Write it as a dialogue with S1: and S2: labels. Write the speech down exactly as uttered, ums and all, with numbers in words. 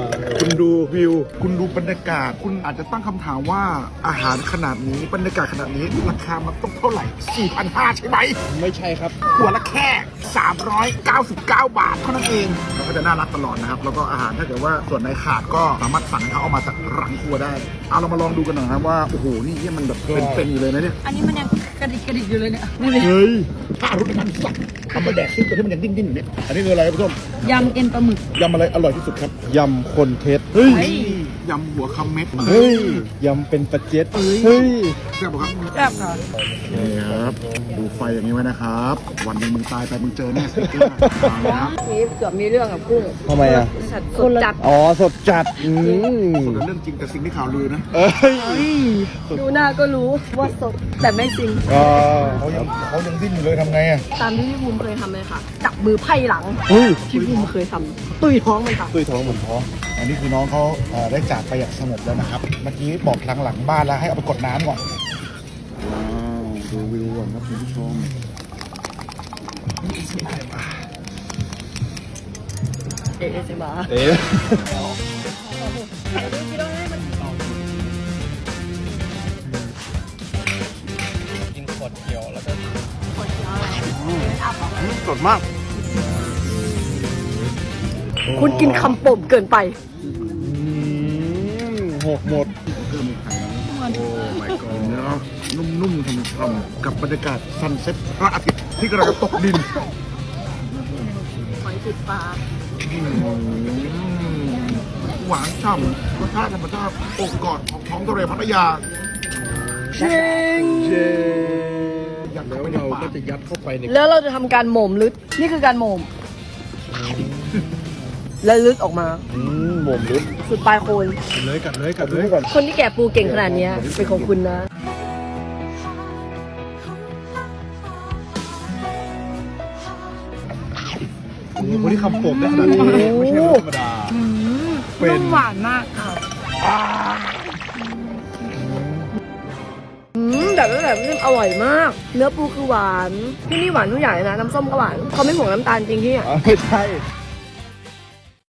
S1: คุณดูวิวคุณดูบรรยากาศคุณอาจจะตั้งคำถามว่าอาหารขนาดนี้บรรยากาศขนาดนี้ราคามันต้องเท่าไหร่ สี่พันห้าร้อย ใช่ไหม
S2: ไม่ใช่ครับ
S1: หัวละแค่สามร้อยเก้าสิบเก้าบาทเท่านั้นเองเราก็จะน่ารักตลอดนะครับแล้วก็อาหารถ้าเกิดว่าส่วนไหนขาดก็สามารถสั่งเขาเอามาจากรังครัวได้เอาเรามาลองดูกันหน่อยครับว่าโอ้โหนี่เนี่ยมันแบบเป็นๆอยู่เลยนะเนี่ย
S3: อันนี้มันยังกระดิกกระดิกอยู่เลยเนี่ย
S1: เฮ้ยถ้ารุดมันสักทำมาแดกซึ่งตัวที่มันยังดิ้นๆอยู่เนี่ยอันนี้คืออะไรครับผู้ชม
S3: ยำเอ็นปลาหมึก
S1: ยำอะไรอร่อยที่สุดครับ
S2: ยำคนเท็จเฮ้ย
S1: ยำหัวคำเม็ด
S2: เฮ้ยยำเป็นปลาเจ็ดเฮ้ย
S1: แซ่บครับ
S3: แซ่บค่ะ
S1: นี่ครับดูไฟอย่างนี้ไว้นะครับวันหนึ่งมึงตายไปมึงเจอแน่สติ๊กเกอร์มาเลยครับ
S3: มีเกือบมีเรื่องกับกุ้ง
S2: ทำไมอ่ะ
S3: สดจัด
S2: อ๋อสดจัดอืม
S1: ส่วนเรื่องจริงแต่สิ่งที่ข่าวลือนะ
S2: เอ้ย
S3: ดูหน้าก็รู้ว่าสดแต่ไม่จริง
S1: เขายังเขายังดิ้นอยู่เลยทำไงอ่ะ
S3: ตามที่พี่ภูมิเคยทำเลยค่ะจับมือไพ่หลังพี่ภูมิเคยทำตุยท้องมันค่ะ
S2: ตุยท้องเหมือนท้อง
S1: อันนี้คือน้องเขาได้จากไปอย่างสงบแล้วนะครับเมื่อกี้บอกหลังหลังบ้านแล้วให้เอาไปกดน้ำก่อนว้าวดูวิวก่อนครับคุณผู้ชม
S3: เอ๊ะสิมา
S2: เอ๊ะกินขวดเขียวแล้วก็
S3: ขวดเขียวอะไร
S2: สดมาก
S3: คุณกินคำป่มเกินไป
S2: หกหมด
S1: เพิ่มอีกครั้งโอ้ my god เนาะนุ่มๆช่ำๆกับบรรยากาศซันเซ็ตพระอาทิตย์ที่กำลังตกดิน
S3: หอยติดปลา
S1: หวานฉ่ำรสชาติธรรมชาติอกกอดของท้องทะเลพัทยา
S3: เชิง
S2: เชิง
S1: แล้วเราก็จะยัดเข้าไปใน
S3: แล้วเราจะทำการโหม่มลึกนี่คือการโหม่มแล้วลึกออกมา
S2: อืมหม่มลึก
S3: สุดปลายโคน
S2: เลยกัดเลยกัดเลยก่อน
S3: คนที่แกะปูเก่งขนาดนี้เป็นของคุณนะ
S2: คนที่คำผมได้ขนาดนี้ไม่ใช่ธรรมดา
S3: เป็นหวานมากค่ะอืมแบบนี้แบบนี้อร่อยมากเนื้อปูคือหวานที่นี่หวานทุกอย่างเลยนะน้ำส้มก็หวานเขาไม่ห่วงน้ำตาลจริงที่อ่ะ
S2: ไม่ใช่